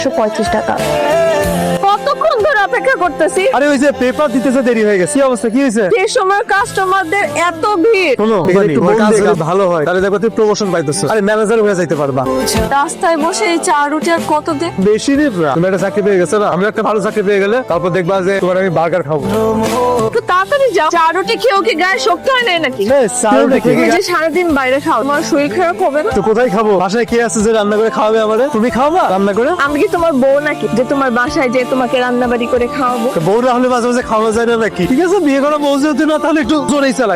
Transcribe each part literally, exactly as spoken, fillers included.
পঁয়ত্রিশ টাকা। কতক্ষণ ধরে অপেক্ষা করতেছি। আরে ওই যে পেপার দিতেছে দেরি হয়ে গেছে। কি অবস্থা, কি হয়েছে? সেই সময় কাস্টমারদের এত ভিড়। শোনো, তোমার কাজ যদি ভালো হয় তাহলে দেখো তুমি প্রমোশন পাইতেছো। আরে ম্যানেজার হয়ে যাইতে পারবা। রাস্তায় বসে এই চা রুটি আর কত দিন? বেশি দিন না, তুমি একটা চাকরি পেয়ে গেছো না, আমি একটা ভালো চাকরি পেয়ে গেলে তারপর দেখবা যে তোমার আমি বার্গার খাবো। একটু তাড়াতাড়ি যাও। চা রুটি খেয়েও কি গায়ে শক্তি হয় না নাকি? তুমি যে সারাদিন বাইরে খাও, তোমার শরীর খারাপ হবে না? তো কোথায় খাবো? বাসায় কে আছে যে রান্না করে খাওয়াবে আমারে? তুমি খাওয়াবা রান্না করে? আমি কি তোমার বউ নাকি যে তোমার বাসায় যে তোমাকে রান্না বাড়ি করে খাওয়াবো? বউরা হলে মাঝে মাঝে খাওয়া যায় না নাকি? ঠিক আছে, বিয়ে করা বউ যেহেতু না, তাহলে একটু জোরেই চালাই।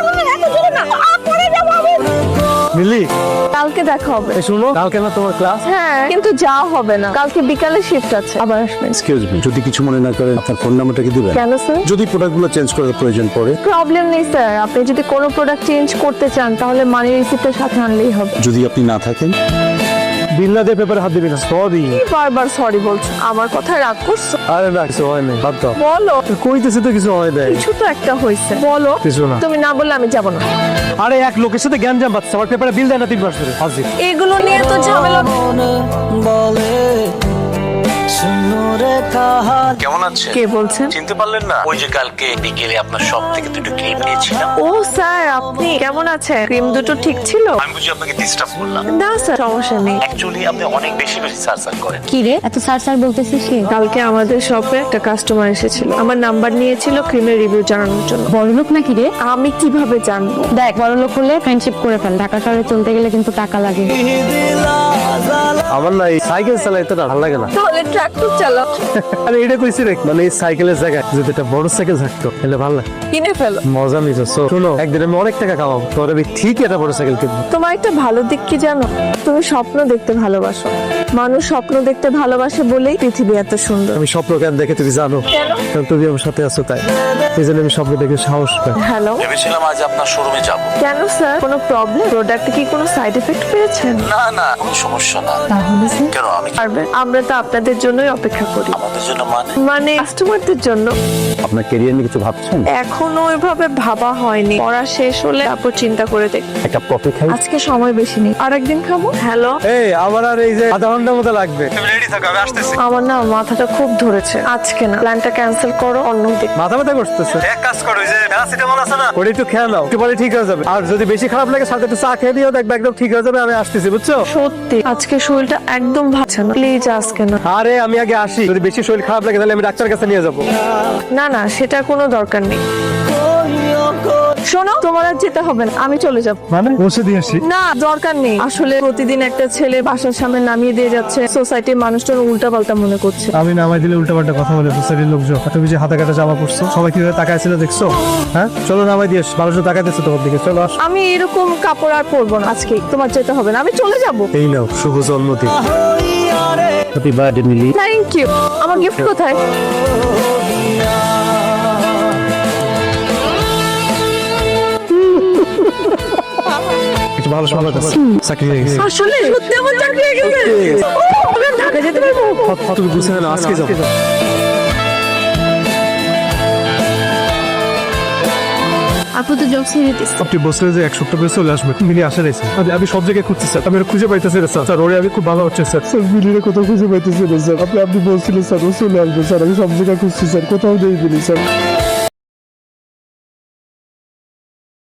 মিলি, কালকে দেখা হবে। এই শুনো, কালকে না তোমার ক্লাস? হ্যাঁ, কিন্তু যাওয়া হবে না, কালকে বিকালে শিফট আছে, আবার আসবেন। এক্সকিউজ মি, যদি কিছু মনে না করেন আপনার ফোন নাম্বারটা কি দিবেন? কেন স্যার? যদি প্রোডাক্টগুলো চেঞ্জ করার প্রয়োজন পড়ে। প্রবলেম নেই স্যার, আপনি যদি কোনো প্রোডাক্ট চেঞ্জ করতে চান তাহলে মানি রিসিপ্টের সাথে আনলেই হবে। যদি আপনি না থাকেন? বিল্লাদের পেপারে হাত দিবি না। সরি। বারবার সরি বলছো, আমার কথা রাগ করছো? আরে না, কিছু হয় নাই, বাদ দাও। বলো। কইতেছি তো কিছু হয় নাই। কিছু তো একটা হয়েছে, বলো। কিছু না। তুমি না বললে আমি যাব না। আরে এক লোকের সাথে জ্ঞান জাম বাচ্চা আমার পেপারে বিল দেয় না তিন মাস ধরে। হাজির। এগুলো নিয়ে তো ঝামেলা। কেমন আছেন? কে বলছেন? চিনতে পারলেন না? ওই যে কালকে বিকেলে আপনার শপ থেকে দুটো ক্রিম নিয়েছিলাম। ও স্যার, আপনি কেমন আছেন? ক্রিম দুটো ঠিক ছিল? আমি বুঝি আপনাকে ডিস্টার্ব করলাম? না স্যার, সমস্যা নেই। অ্যাকচুয়ালি আপনি অনেক বেশি বেশি সার্চার করেন। কি রে এত সার সার বলতেছিস কি? কালকে আমাদের শপে একটা কাস্টমার এসেছিল, আমার নাম্বার নিয়েছিল ক্রিমের রিভিউ জানানোর জন্য। বড়লোক নাকি রে? আমি কিভাবে জানবো? দেখ, বড়লোক হলে ফ্রেন্ডশিপ করে ফেল, ঢাকা শহরে চলতে গেলে কিন্তু টাকা লাগে। আমার না এই সাইকেল চালাইতে না ভালো লাগে না। তাহলে ট্রাক্টর চালাও। আরে এটা কইছি রে, মানে এই সাইকেলের জায়গায় যদি একটা বড় সাইকেল থাকতো তাহলে ভালো লাগে। কিনে ফেলো। মজা নিছো। শোনো, একদিন আমি অনেক টাকা কামাবো, তোর আমি ঠিক একটা বড় সাইকেল কিনবো। তোমার একটা ভালো দিক কি জানো? তুমি স্বপ্ন দেখতে ভালোবাসো। মানুষ স্বপ্ন দেখতে ভালোবাসে বলেই পৃথিবী এত সুন্দর। আমি স্বপ্ন কেন দেখে তুমি জানো? কেন? কারণ তুমি আমার সাথে আছো তাই। এই জন্য আমি স্বপ্ন দেখে সাহস পাই। হ্যালো। ভেবেছিলাম আজ আপনার শোরুমে যাব। কেন স্যার, কোনো প্রবলেম? প্রোডাক্টে কি কোনো সাইড এফেক্ট পেয়েছেন? না না, কোনো সমস্যা না। তাহলে স্যার কেন, আমি পারবেন? আমরা তো আপনাদের জন্যই অপেক্ষা করি। আমাদের জন্য মানে? মানে কাস্টমারদের জন্য। আপনার ক্যারিয়ার নিয়ে কিছু ভাবছেন? এখনো ওইভাবে ভাবা হয়নি, পড়া শেষ হলে তারপর চিন্তা করে দেখ। একটা কফি খাই? আজকে সময় বেশি নেই, আর একদিন খাবো। হ্যালো। এই আমার আর এই যে আধা ঘন্টার মতো লাগবে। তুমি রেডি থাকো, আমি আসতেছি। আমার না মাথাটা খুব ধরেছে, আজকে না, প্ল্যানটা ক্যান্সেল করো, অন্য দিন। মাথা ব্যথা করতেছে। এক কাজ করো, ওই যে প্যারাসিটামল আছে না, ওটা একটু খেয়ে নাও, একটু পরে ঠিক হয়ে যাবে। আর যদি বেশি খারাপ লাগে সাথে একটু চা খেয়ে দিও, দেখবে একদম ঠিক হয়ে যাবে। আমি আসতেছি, বুঝছো? সত্যি আজকে শরীরটা একদম ভাবছে না, প্লিজ আজকে না। আরে আমি আগে আসি, যদি বেশি শরীর খারাপ লাগে তাহলে আমি ডাক্তারের কাছে নিয়ে যাবো। না না, সেটা কোনো দরকার নেই। শোনো, তোমার আর যেতে হবে না, আমি চলে যাব। মানে বসে দিয়ে আসি? না, দরকার নেই। আসলে প্রতিদিন একটা ছেলে বাসার সামনে নামিয়ে দিয়ে যাচ্ছে, সোসাইটির মানুষজন উল্টা পাল্টা মনে করছে। আমি নামাই দিলে উল্টা পাল্টা কথা বলে সোসাইটির লোকজন। তুমি যে হাতে কাটা জামা পড়ছো, সবাই কিভাবে তাকাইছিল দেখছো? হ্যাঁ, চলো নামাই দিয়ে আসি, মানুষজন তাকাইতেছে তোমার দিকে, চলো আস। আমি এরকম কাপড় আর পরবো না আজকে, তোমার যেতে হবে না, আমি চলে যাব। এই নাও শুভ জন্মদিন। Happy birthday Mili. Thank you. আমার গিফট কোথায়? কিছু ভালো সময় চাকরি হয়ে গেছে। আসলে সত্যি আমার চাকরি হয়ে গেছে। ও, আমি আর ঢাকা যেতে পারবো। তুমি বুঝতে না, আজকে যাবো। আপু তো জব ছেড়ে দিস। আপনি বসলে যে এক সপ্তাহ পরে চলে আসবে, মিলি আসে রয়েছে। আমি সব জায়গায় খুঁজছি স্যার, আমি ওরা খুঁজে পাইতেছি না স্যার। স্যার ওরে আমি খুব ভালো হচ্ছে স্যার। স্যার মিলিরে কোথাও খুঁজে পাইতেছি না স্যার। আপনি আপনি বলছিলেন স্যার ও চলে আসবে স্যার, আমি সব জায়গায় খুঁজছি স্যার, কোথাও নেই মিলি স্যার।